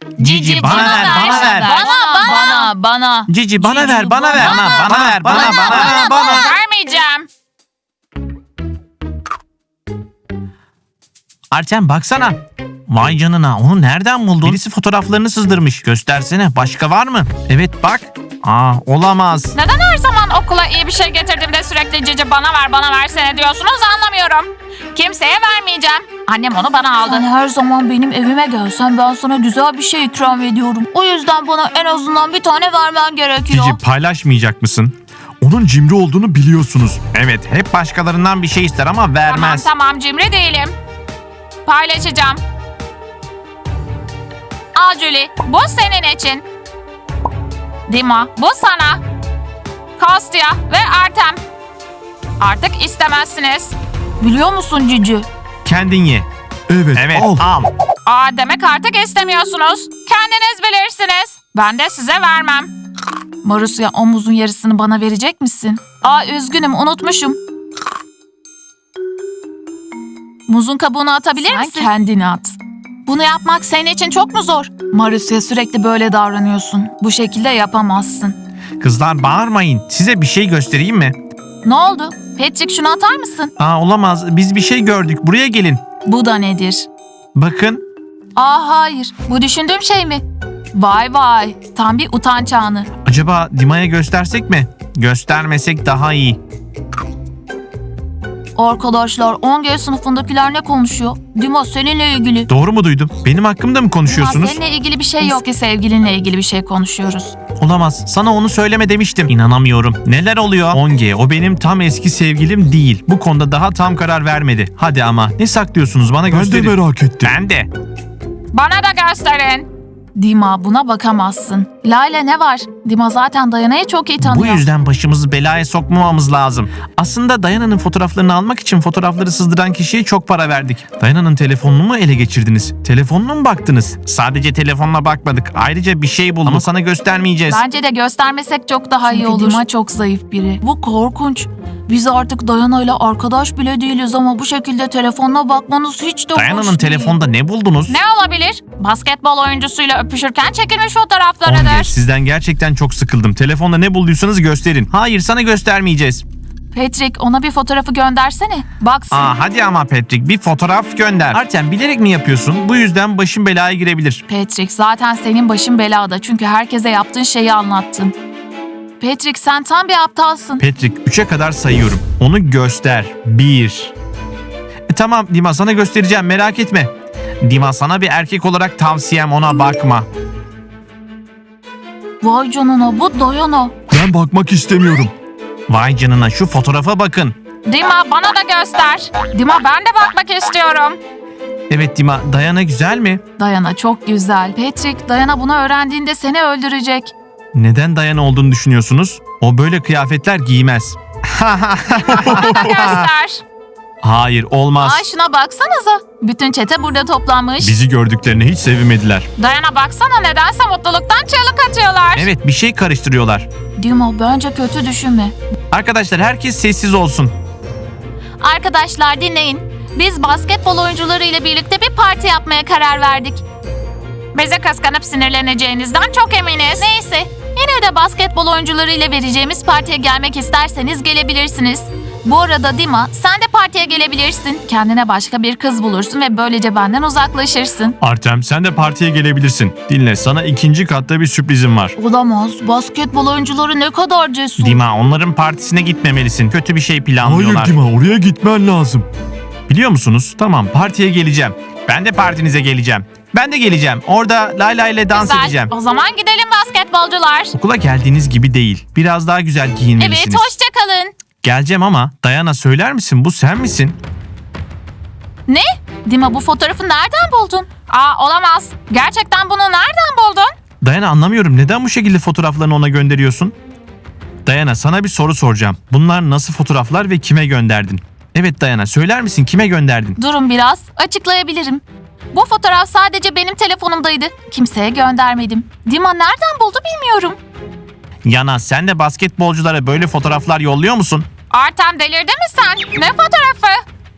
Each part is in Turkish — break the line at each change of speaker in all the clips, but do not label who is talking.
Cici bana ver, bana ver.
Bana.
Cici bana ver, bana ver. Bana ver, bana.
Vermeyeceğim.
Artem baksana. Vay canına, onu nereden buldun? Birisi fotoğraflarını sızdırmış. Göstersene, başka var mı? Evet bak. Olamaz.
Neden her zaman okula iyi bir şey getirdiğimde sürekli Cici bana versene diyorsunuz anlamıyorum. Kimseye vermeyeceğim. Annem onu bana aldı.
Sen her zaman benim evime gelsen ben sana güzel bir şey ikram ediyorum. O yüzden bana en azından bir tane vermen gerekiyor.
Cici paylaşmayacak mısın? Onun cimri olduğunu biliyorsunuz. Evet, hep başkalarından bir şey ister ama vermez.
Tamam cimri değilim. Paylaşacağım. Al Julie, bu senin için. Dima, bu sana. Kostya ve Artem. Artık istemezsiniz.
Biliyor musun Cici?
Kendin ye. Evet, al.
Demek artık istemiyorsunuz. Kendiniz bilirsiniz. Ben de size vermem.
Marusya o muzun yarısını bana verecek misin? Üzgünüm unutmuşum. Muzun kabuğunu atabilir misin? Sen kendini at. Bunu yapmak senin için çok mu zor? Marusya sürekli böyle davranıyorsun. Bu şekilde yapamazsın.
Kızlar bağırmayın. Size bir şey göstereyim mi?
Ne oldu? Patrick şunu atar mısın?
Olamaz. Biz bir şey gördük. Buraya gelin.
Bu da nedir?
Bakın.
Hayır. Bu düşündüğüm şey mi? Vay. Tam bir utanç anı.
Acaba Dima'ya göstersek mi? Göstermesek daha iyi.
Arkadaşlar 10G sınıfındakiler ne konuşuyor? Dima seninle ilgili.
Doğru mu duydum? Benim hakkımda mı konuşuyorsunuz?
Seninle ilgili bir şey yok. Eski sevgilinle ilgili bir şey konuşuyoruz.
Olamaz. Sana onu söyleme demiştim. İnanamıyorum. Neler oluyor? 10G, o benim tam eski sevgilim değil. Bu konuda daha tam karar vermedi. Hadi ama. Ne saklıyorsunuz? Bana gösterin.
Ben de merak ettim.
Ben de.
Bana da gösterin.
Dima buna bakamazsın. Layla ne var? Dima zaten Dayana'yı çok iyi
Bu
tanıyor.
yüzden başımızı belaya sokmamamız lazım. Aslında Dayana'nın fotoğraflarını almak için fotoğrafları sızdıran kişiye çok para verdik. Dayana'nın telefonunu mu ele geçirdiniz? Telefonuna mu baktınız? Sadece telefonuna bakmadık. Ayrıca bir şey bulduk ama sana göstermeyeceğiz.
Bence de göstermesek çok daha iyi Çünkü olur. Dima çok zayıf biri. Bu korkunç. Biz artık Dayana'yla arkadaş bile değiliz ama bu şekilde telefonuna bakmanız hiç de hoş
Dayana'nın
değil.
telefonda ne buldunuz?
Ne olabilir? Basketbol oyuncusuyla öpüşürken çekilmiş
10G,
fotoğraflarıdır.
sizden gerçekten çok sıkıldım. Telefonda ne bulduysanız gösterin. Hayır, sana göstermeyeceğiz.
Patrick ona bir fotoğrafı göndersene. Baksın.
Hadi ama Patrick, bir fotoğraf gönder. Artem, bilerek mi yapıyorsun? Bu yüzden başın belaya girebilir.
Patrick zaten senin başın belada çünkü herkese yaptığın şeyi anlattın. Patrick sen tam bir aptalsın.
Patrick, 3'e kadar sayıyorum. Onu göster. 1. Tamam Dima, sana göstereceğim, merak etme. Dima, sana bir erkek olarak tavsiyem, ona bakma.
Vay canına bu Dayana.
Ben bakmak istemiyorum.
Vay canına, şu fotoğrafa bakın.
Dima bana da göster. Dima ben de bakmak istiyorum.
Evet Dima, Dayana güzel mi?
Dayana çok güzel. Patrick Dayana bunu öğrendiğinde seni öldürecek.
Neden Dayana olduğunu düşünüyorsunuz? O böyle kıyafetler giymez.
Bana da göster.
Hayır, olmaz.
Ay şuna baksanıza. Bütün çete burada toplanmış.
Bizi gördüklerine hiç sevinmediler.
Dayana baksana nedense mutluluktan çığlık atıyorlar.
Evet, bir şey karıştırıyorlar.
Dima bence kötü düşünme.
Arkadaşlar, herkes sessiz olsun.
Arkadaşlar dinleyin. Biz basketbol oyuncuları ile birlikte bir parti yapmaya karar verdik.
Bize kıskanıp sinirleneceğinizden çok eminiz.
Neyse, yine de basketbol oyuncuları ile vereceğimiz partiye gelmek isterseniz gelebilirsiniz. Bu arada Dima, sen de partiye gelebilirsin. Kendine başka bir kız bulursun ve böylece benden uzaklaşırsın.
Artem, sen de partiye gelebilirsin. Dinle, sana 2. katta bir sürprizim var.
Olamaz. Basketbol oyuncuları ne kadar cesur.
Dima, onların partisine gitmemelisin. Kötü bir şey planlıyorlar.
Hayır Dima, oraya gitmen lazım.
Biliyor musunuz? Tamam, partiye geleceğim. Ben de partinize geleceğim. Ben de geleceğim. Orada Layla ile dans
Güzel.
edeceğim.
O zaman gidelim basketbolcular.
Okula geldiğiniz gibi değil. Biraz daha güzel giyinmelisiniz.
Evet, hoşça kalın.
Geleceğim ama Dayana, söyler misin, bu sen misin?
Ne? Dima bu fotoğrafı nereden buldun?
Olamaz. Gerçekten bunu nereden buldun?
Dayana, anlamıyorum. Neden bu şekilde fotoğraflarını ona gönderiyorsun? Dayana, sana bir soru soracağım. Bunlar nasıl fotoğraflar ve kime gönderdin? Evet Dayana, söyler misin, kime gönderdin?
Durun biraz, açıklayabilirim. Bu fotoğraf sadece benim telefonumdaydı. Kimseye göndermedim. Dima nereden buldu bilmiyorum.
Yana, sen de basketbolculara böyle fotoğraflar yolluyor musun?
Artem delirdin mi sen? Ne fotoğrafı?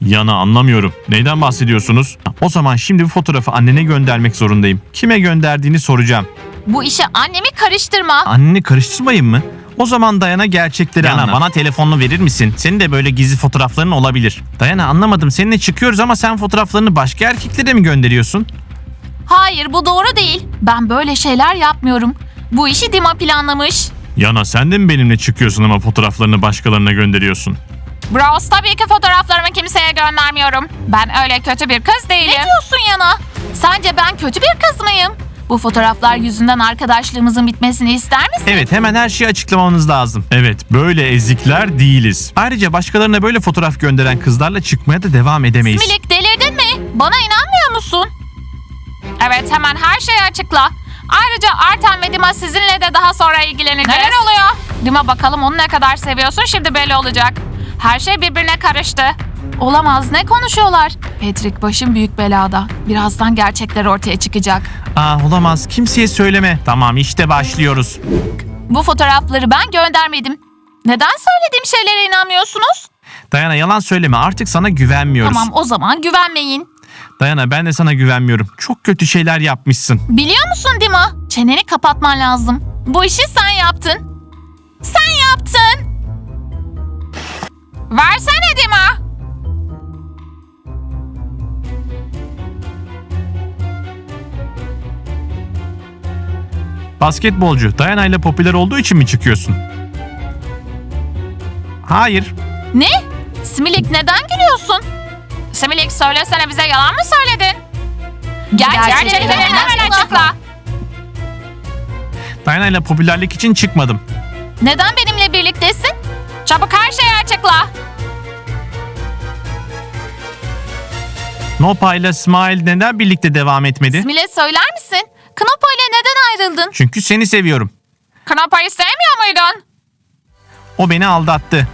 Yana anlamıyorum. Neyden bahsediyorsunuz? O zaman şimdi bu fotoğrafı annene göndermek zorundayım. Kime gönderdiğini soracağım.
Bu işe annemi karıştırma.
Anneni karıştırmayın mı? O zaman Dayana gerçekleri anlat. Bana telefonunu verir misin? Senin de böyle gizli fotoğrafların olabilir. Dayana anlamadım. Seninle çıkıyoruz ama sen fotoğraflarını başka erkeklere mi gönderiyorsun?
Hayır, bu doğru değil. Ben böyle şeyler yapmıyorum. Bu işi Dima planlamış.
Yana sen de mi benimle çıkıyorsun ama fotoğraflarını başkalarına gönderiyorsun?
Bros, tabii ki fotoğraflarımı kimseye göndermiyorum. Ben öyle kötü bir kız değilim.
Ne diyorsun Yana? Sence ben kötü bir kız mıyım? Bu fotoğraflar yüzünden arkadaşlığımızın bitmesini ister misin?
Evet, hemen her şeyi açıklamanız lazım. Evet, böyle ezikler değiliz. Ayrıca başkalarına böyle fotoğraf gönderen kızlarla çıkmaya da devam edemeyiz.
Milik, delirdin mi? Bana inanmıyor musun?
Evet, hemen her şeyi açıkla. Ayrıca Artem ve Dima sizinle de daha sonra ilgileneceğiz. Neler oluyor? Dima, bakalım onu ne kadar seviyorsun, şimdi belli olacak. Her şey birbirine karıştı.
Olamaz, ne konuşuyorlar? Patrick, başım büyük belada. Birazdan gerçekler ortaya çıkacak.
Olamaz, kimseye söyleme. Tamam, işte başlıyoruz.
Bu fotoğrafları ben göndermedim. Neden söylediğim şeylere inanmıyorsunuz?
Dayana yalan söyleme, artık sana güvenmiyoruz.
Tamam, o zaman güvenmeyin.
Dayana ben de sana güvenmiyorum. Çok kötü şeyler yapmışsın.
Biliyor musun Dima? Çeneni kapatman lazım. Bu işi sen yaptın. Sen yaptın.
Versene Dima.
Basketbolcu Dayana ile popüler olduğu için mi çıkıyorsun? Hayır.
Ne? Similik, neden gülüyorsun?
Similik, söylesene, bize yalan mı söyledin?
Gerçekleri
hemen açıkla.
Dayana ile popülerlik için çıkmadım.
Neden benimle birliktesin?
Çabuk her şeyi açıkla.
Nopa ile Smile neden birlikte devam etmedi?
Simile, söyler misin? Knopa ile neden ayrıldın?
Çünkü seni seviyorum.
Knopa'yı sevmiyor muydun?
O beni aldattı.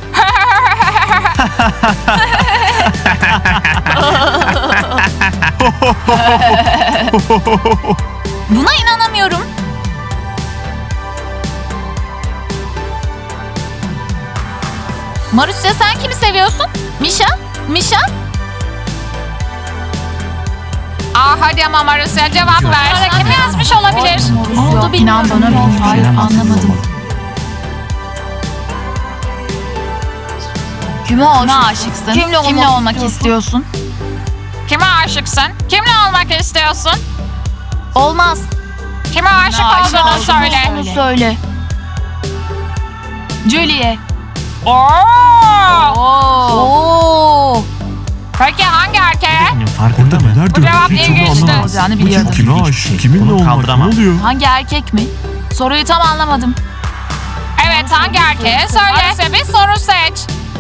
Buna inanamıyorum. Marusya, sen kimi seviyorsun? Misha? Misha?
Hadi ama Marusya, cevap ver.
Sen
Kim
de-
yazmış olabilir?
Oldu, bilmiyorum.
bana bilmiyorum.
Hayır, anlamadım. Kime aşıksın? Kimle olmak istiyorsun?
Kime aşıksın? Kimle olmak istiyorsun?
Olmaz.
Kime aşık olduğunu söyle.
Onu söyle. Julie.
Oo!
Oo.
Peki hangi erkeğe?
Benim farkında mı?
Neler
Bu
dönüyor?
cevap
Hiç onu
ilginçti.
anlamadım.
Olacağını
Bu kim?
biliyordum.
Kime
Hiçbir
aşık?
şey.
Kiminle
Bunu
olmak? Ne
kaldıramam.
oluyor?
Hangi erkek mi? Soruyu tam anlamadım.
Evet, hangi erkeğe? Söyle. Marusya, bir soru seç.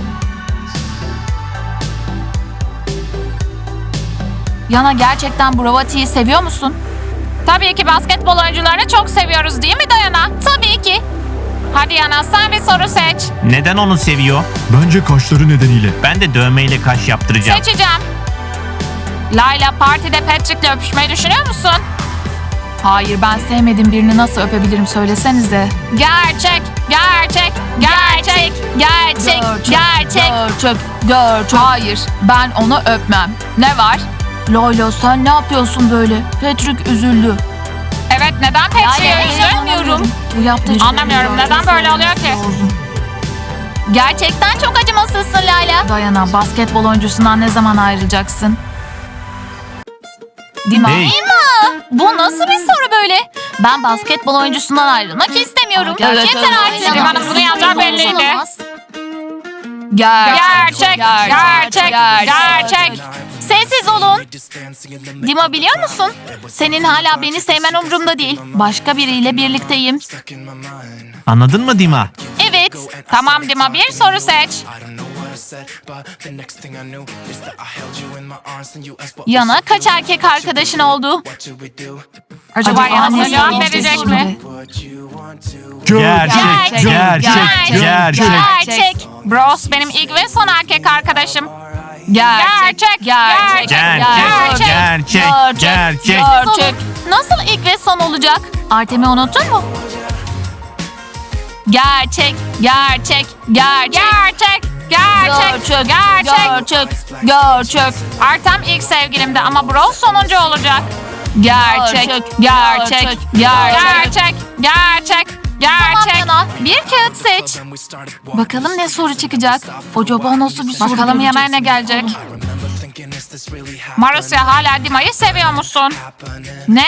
Yana, gerçekten Bravati'yi seviyor musun?
Tabii ki basketbol oyuncularını çok seviyoruz, değil mi Dayana?
Tabii ki.
Hadi Yana, sen bir soru seç.
Neden onu seviyor?
Bence kaşları nedeniyle.
Ben de dövmeyle kaş yaptıracağım.
Seçeceğim. Layla, partide Patrick'le öpüşmeyi düşünüyor musun?
Hayır, ben sevmediğim birini nasıl öpebilirim, söylesenize.
Gerçek, gerçek, gerçek.
Gerçek. Gerçek. Hayır, ben onu öpmem. Ne var? Loylo, sen ne yapıyorsun böyle? Patrick üzüldü.
Evet, neden Patrick'i üzdün?
Bu yaptığı çok
Anlamıyorum, neden böyle oluyor ki?
Gerçekten çok acımasızsın Layla. Dayana, basketbol oyuncusundan ne zaman ayrılacaksın? Dima.
Hey.
Dima! Bu nasıl bir soru böyle? Ben basketbol oyuncusundan ayrılmak istemiyorum. Yeter artık.
Dima'nın bunu yapacağı belliydi.
Olamaz.
Gerçek, gerçek, gerçek.
Sessiz olun. Dima, biliyor musun? Senin hala beni sevmen umurumda değil. Başka biriyle birlikteyim.
Anladın mı Dima?
Evet.
Tamam Dima, bir soru seç.
Yana, kaç erkek arkadaşın oldu?
Acaba Yana
annesi
cevap
bilinçli
verecek mi?
Gerçek, gerçek.
Gerçek.
Bros, benim ilk ve son erkek arkadaşım.
Gerçek.
Gerçek.
Gerçek.
Nasıl ilk ve son olacak? Artem'i unuttun mu? Gerçek.
Gerçek, Gerçek. Gerçek.
Gerçek.
Artem ilk sevgilimdi ama Bros sonuncu olacak.
Gerçek.
Gerçek. Gerçek. Gerçek.
Tamam
Gerçek.
Yana, bir kağıt seç. Bakalım ne soru çıkacak. Acaba nasıl bir soru
Bakalım
gelecek?
yemeğe ne gelecek? Marusya, hala Dima'yı seviyor musun? Ne?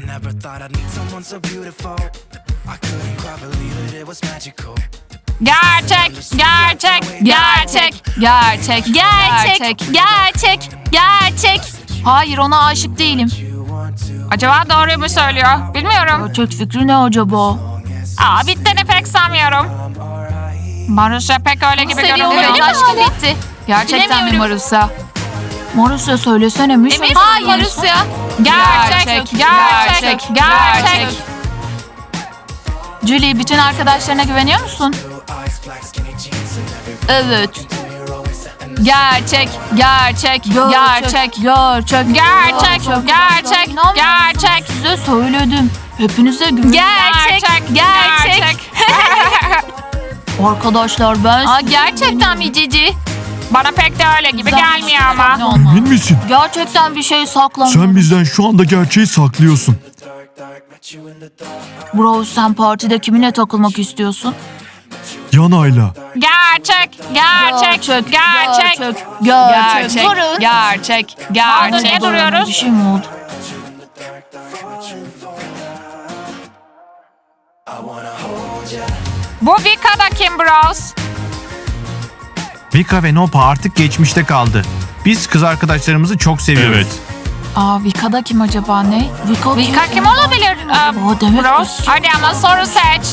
Gerçek. Gerçek. Gerçek.
Gerçek. Gerçek. Gerçek. Hayır, ona aşık değilim.
Acaba doğruyu mu söylüyor? Bilmiyorum.
Gerçek fikri ne acaba?
Aa, bittiğini pek sanmıyorum. Marusya pek öyle gibi
Seviyor
görünüyor.
olabilir mi aşkı bitti? Gerçekten mi
Bilemiyorum.
Marusya? Marusya söylesene mi?
Emin
Hayır
misin?
Marusya.
Gerçek. Gerçek. Gerçek.
Julie, bütün arkadaşlarına güveniyor musun? Evet. Gerçek. Gerçek. Gerçek. Gerçek.
Gerçek. Gerçek.
Size söyledim. Hepinize güveniyorum.
Gerçek.
Arkadaşlar ben... gerçekten mi Cici?
Bana pek de öyle gibi gelmiyor ama.
Emin misin?
Gerçekten bir şey saklamıyorum.
Sen bizden şu anda gerçeği saklıyorsun.
Bro, sen partide kiminle takılmak istiyorsun?
Yanayla.
Gerçek. Gerçek. Gerçek.
Durun.
Gerçek. Gerçek. Niye duruyoruz?
Bir şey mi oldu?
Bu Vika da kim Bros?
Vika ve Nopa artık geçmişte kaldı. Biz kız arkadaşlarımızı çok seviyoruz.
Evet.
Vika'da kim acaba ne?
Vika kim olabilir?
Demek
Bros. Hadi ama soru seç.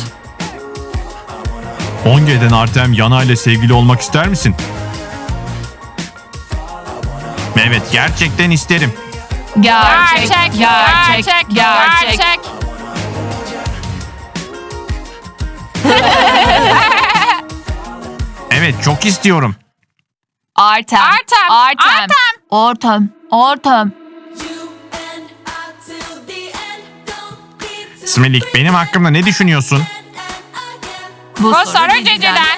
10G'den Artem Yanayla sevgili olmak ister misin?
Evet, gerçekten isterim.
Gerçek. Gerçek.
Evet, çok istiyorum.
Artem.
Smelik, benim hakkımda ne düşünüyorsun?
Bu soru Cici'den.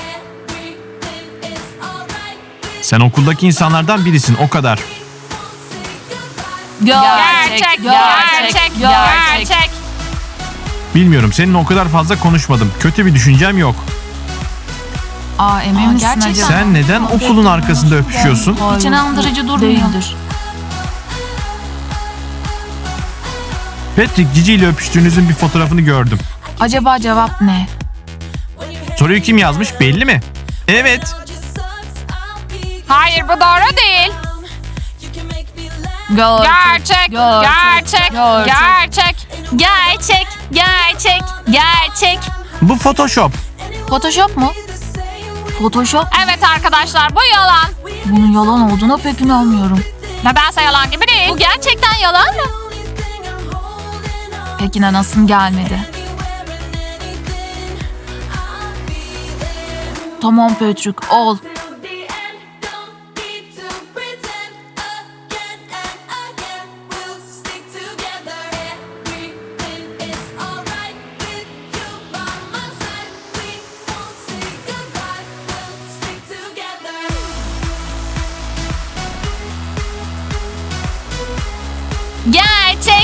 Sen okuldaki insanlardan birisin, o kadar.
Gerçek.
Bilmiyorum, seninle o kadar fazla konuşmadım. Kötü bir düşüncem yok.
Emin misin
gerçekten.
acaba?
Sen neden okulun arkasında öpüşüyorsun?
Hiç inandırıcı durmuyor. Değildir.
Patrick, Cici ile öpüştüğünüzün bir fotoğrafını gördüm.
Acaba cevap ne?
Soruyu kim yazmış, belli mi? Evet.
Hayır, bu doğru değil. Gerçek. Gerçek.
Bu Photoshop.
Photoshop mu? Photoshop?
Evet arkadaşlar, bu yalan.
Bunun yalan olduğuna pek inanmıyorum.
Nedense yalan gibi değil.
Bu gerçekten yalan mı? Pek inanasım gelmedi. Tamam Patrick, ol. Gerçek.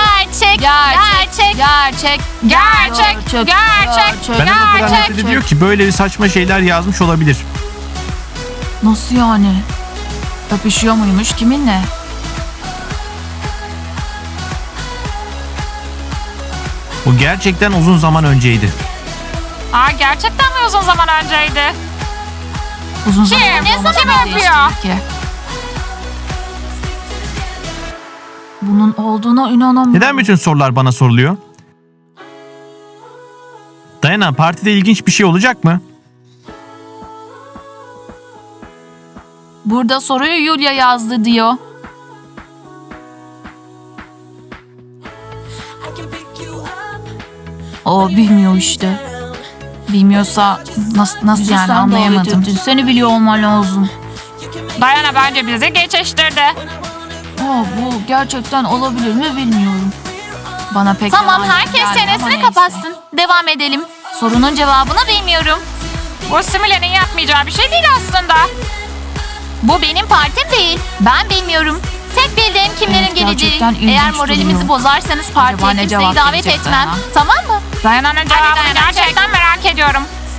Ben o kadar nefret ediyor ki böyle saçma şeyler yazmış olabilir.
Nasıl yani? Öpüşüyor muymuş kiminle?
Bu gerçekten uzun zaman önceydi.
Gerçekten mi uzun zaman önceydi?
Uzun zaman
Kim?
önce
Ne
olması
zaman
ne
öpüyor?
değiştirir ki? Bunun olduğuna inanamıyorum.
Neden bütün sorular bana soruluyor? Dayana, partide ilginç bir şey olacak mı?
Burada soruyu Yulia yazdı diyor. O bilmiyor işte. Bilmiyorsa nasıl yani anlayamadım. Seni biliyor olman lazım.
Dayana bence bizi geçiştirdi.
Bu gerçekten olabilir mi bilmiyorum. Bana pek
Tamam,
yalan
herkes
geldi ama
çenesini
neyse.
kapatsın.
Devam edelim. Sorunun cevabını bilmiyorum.
Bu Simile'nin yapmayacağı bir şey değil aslında.
Bu benim partim değil. Ben bilmiyorum. Tek bildiğim kimlerin
Evet,
geleceği.
gerçekten ilginç
Eğer moralimizi
duruyor.
bozarsanız
Acaba
partiye
ne
kimseyi
cevap
davet
verecek
etmem.
Dayana?
Tamam mı?
Dayana'nın cevabını
Dayana,
gerçekten merak ediyorum.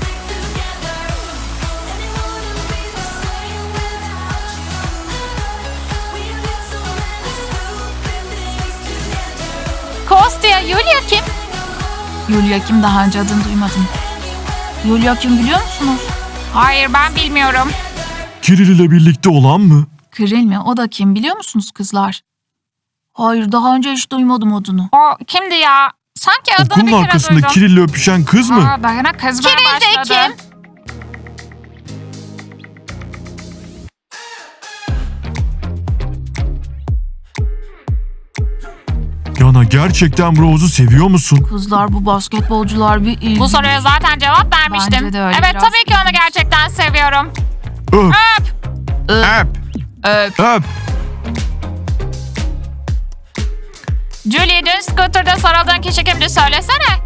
Kostya, Yulia kim?
Yulia kim, daha önce adını duymadım.
Yulia kim biliyor musunuz?
Hayır, ben bilmiyorum.
Kiril ile birlikte olan mı?
Kiril mi? O da kim biliyor musunuz kızlar? Hayır, daha önce hiç duymadım adını.
O kimdi ya? Sanki adını bir
Okulun
kere
arkasında
duydum.
Kiril ile öpüşen kız mı?
Aa, Dayana kızmaya
Kiril de
başladı.
kim?
Yana gerçekten Rose'u seviyor musun?
Kızlar bu basketbolcular bir ilginç.
Bu soruya zaten cevap vermiştim.
Bence de öyle,
Evet,
biraz
tabii ki onu
ilginç.
gerçekten seviyorum.
Öp,
Öp.
öp.
Julie, dün scooter'da sarıldığın kişi kimdi söylesene.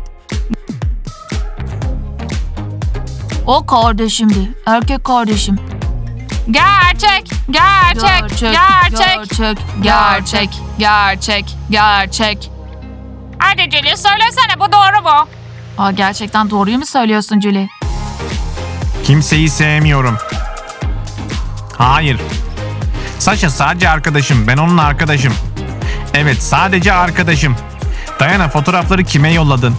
O kardeşimdi. Erkek kardeşim.
Gerçek, gerçek, gerçek.
Gerçek.
Hadi Julie söylesene, bu doğru mu?
Aa, gerçekten doğruyu mu söylüyorsun Julie?
Kimseyi sevmiyorum. Hayır. Saşa sadece arkadaşım. Ben onun arkadaşım. Evet, sadece arkadaşım. Dayana, fotoğrafları kime yolladın?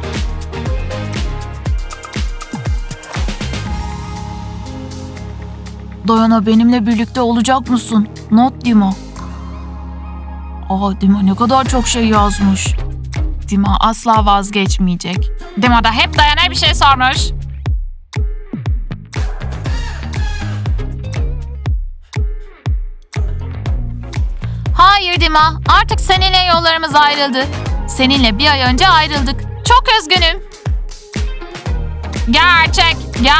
Dayana, benimle birlikte olacak mısın? Not Dima. Aa, Dima ne kadar çok şey yazmış. Dima asla vazgeçmeyecek.
Dima da hep Dayana'ya bir şey sormuş.
Hayır Dima, artık seninle yollarımız ayrıldı. Seninle bir ay önce ayrıldık. Çok üzgünüm.
Gerçek.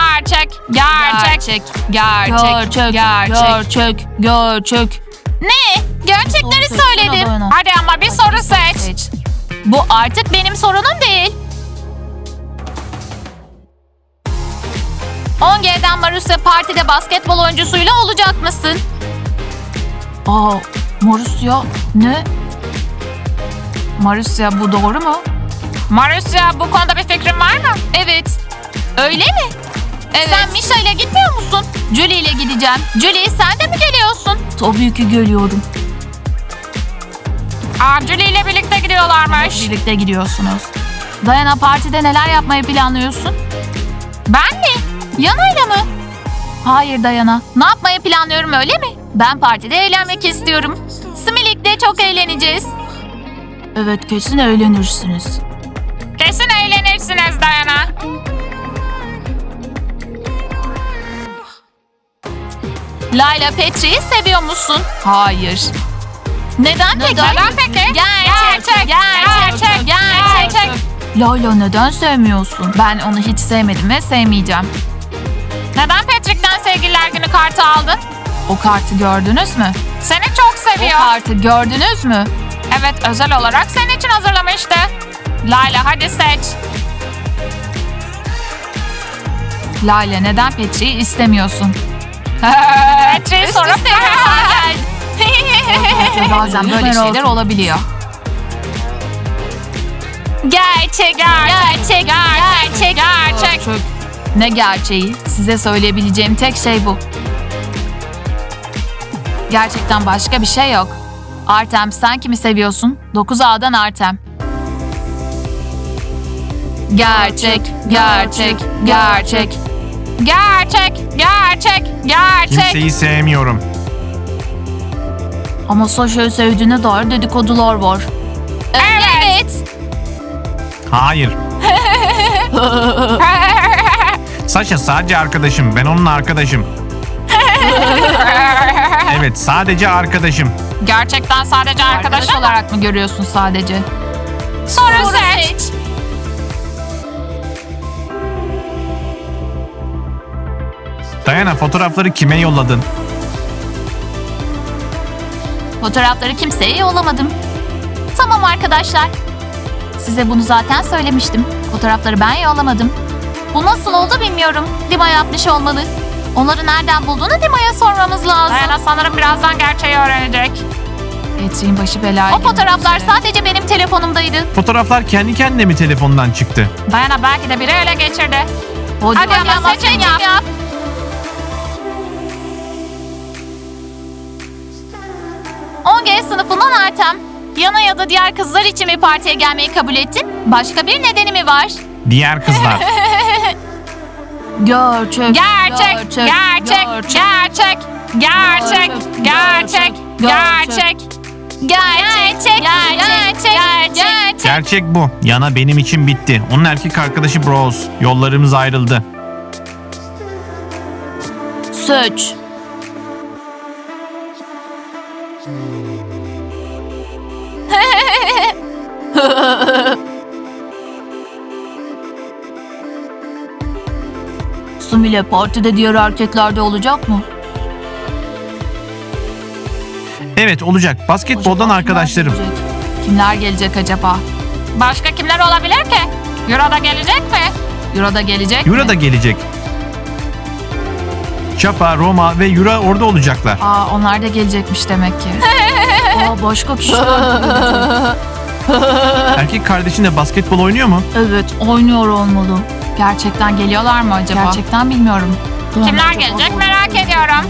Gerçek. Ne? Gerçekleri
Soru
söyledim.
seçsene Hadi ama bir soru seç.
Bu artık benim sorunum değil. 10G'den Marusya partide basketbol oyuncusuyla olacak mısın? Aa, Marusya ne? Marusya, bu doğru mu?
Marusya, bu konuda bir fikrin var mı?
Evet. Öyle mi? Evet. Sen Misha ile gitmiyor musun? Julie ile gideceğim. Julie, sen de mi geliyorsun? Tabii ki geliyorum.
Aa, Julie ile birlikte gidiyorlarmış.
Birlikte gidiyorsunuz. Dayana, partide neler yapmayı planlıyorsun? Ben mi? Yana'yla mı? Hayır Dayana. Ne yapmayı planlıyorum öyle mi? Ben partide eğlenmek istiyorum. Similik'te çok eğleneceğiz. Evet, kesin eğlenirsiniz.
Kesin eğlenirsiniz Dayana.
Layla, Petri'yi seviyor musun? Hayır. Neden peki?
Neden peki? Gerçek.
Layla, neden sevmiyorsun? Ben onu hiç sevmedim ve sevmeyeceğim.
Neden Patrick'ten sevgililer günü kartı aldın?
O kartı gördünüz mü?
Seni çok
O
seviyor.
kartı gördünüz mü?
Evet, özel olarak senin için hazırlamıştı. Layla, hadi seç.
Layla, neden Petri'yi istemiyorsun?
Patrick'i sorup
Bazen böyle şeyler olabiliyor. Gerçek. Ne gerçeği? Size söyleyebileceğim tek şey bu. Gerçekten başka bir şey yok. Artem, sen kimi seviyorsun? 9A'dan Artem. Gerçek.
Kimseyi sevmiyorum.
Ama Sasha'yı sevdiğine dair dedikodular var. Evet.
Hayır. Saşa sadece arkadaşım. Ben onun arkadaşım. Evet, sadece arkadaşım.
Gerçekten sadece
Arkadaş
arkadaşım.
olarak mı görüyorsun sadece?
Soru seç.
Dayana, fotoğrafları kime yolladın?
Fotoğrafları kimseye yollamadım. Tamam arkadaşlar. Size bunu zaten söylemiştim. Fotoğrafları ben yollamadım. Bu nasıl oldu bilmiyorum. Dima yapmış olmalı. Onları nereden bulduğunu Dima'ya sormamız lazım.
Dayana sanırım birazdan gerçeği öğrenecek.
Petri'nin başı belaya
O fotoğraflar
sadece benim telefonumdaydı.
Fotoğraflar kendi kendine mi telefondan çıktı?
Dayana belki de biri ele geçirdi.
Hadi
ama seçim yap.
G sınıfından Artem. Yana ya da diğer kızlar için mi partiye gelmeyi kabul ettin? Başka bir nedeni mi var?
Diğer kızlar.
Gerçek.
Gerçek, gerçek, gerçek, gerçek, gerçek, gerçek.
Gerçek.
Gerçek bu. Yana benim için bitti. Onun erkek arkadaşı Bros. Yollarımız ayrıldı.
Suç. Sumile partide diğer erkekler de olacak mı?
Evet olacak. Basketboldan arkadaşlarım.
Kimler gelecek acaba?
Başka kimler olabilir ki? Euro da gelecek mi?
Euro da gelecek
Yura
mi?
da gelecek. Çapa, Roma ve Yura orada olacaklar.
Aa, onlar da gelecekmiş demek ki. Aa, başka kişiler de gelecek.
Erkek kardeşin de basketbol oynuyor mu?
Evet, oynuyor olmalı.
Gerçekten geliyorlar mı acaba?
Gerçekten bilmiyorum.
Kimler gelecek merak ediyorum.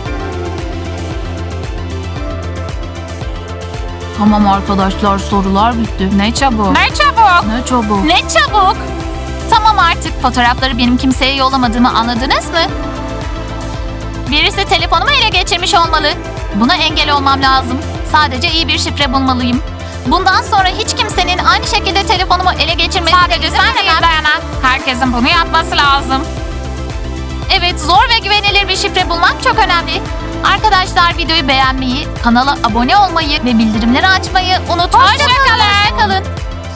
Tamam arkadaşlar, sorular bitti.
Ne çabuk. Ne çabuk.
Ne çabuk.
Ne çabuk.
Tamam artık fotoğrafları benim kimseye yollamadığımı anladınız mı? Birisi telefonumu ele geçirmiş olmalı. Buna engel olmam lazım. Sadece iyi bir şifre bulmalıyım. Bundan sonra hiç kimsenin aynı şekilde telefonumu ele geçirmesine
Sadece
izin
sen değil
veremem.
Dayana. Herkesin bunu yapması lazım.
Evet, zor ve güvenilir bir şifre bulmak çok önemli. Arkadaşlar videoyu beğenmeyi, kanala abone olmayı ve bildirimleri açmayı unutmayın. Hoşça kalın.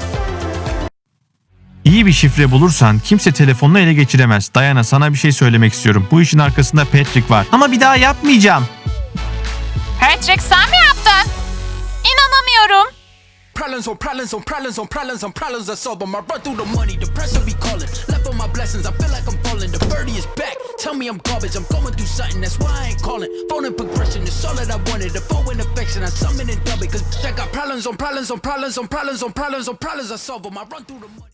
İyi bir şifre bulursan kimse telefonunu ele geçiremez. Dayana sana bir şey söylemek istiyorum. Bu işin arkasında Patrick var. Ama bir daha yapmayacağım.
Patrick sen mi yaptın?
İnanamıyorum.
Problems on problems on problems on problems on problems I solve 'em. I run through the money, the pressure be calling. Left on my blessings, I feel like I'm falling. The birdie is back. Tell me I'm garbage, I'm going through something. That's why I ain't calling. Phone in progression, it's all that I wanted. The phone in affection, I summon and dub it. Cause I got problems on problems on problems on problems on problems on problems I solve 'em. I run through the money.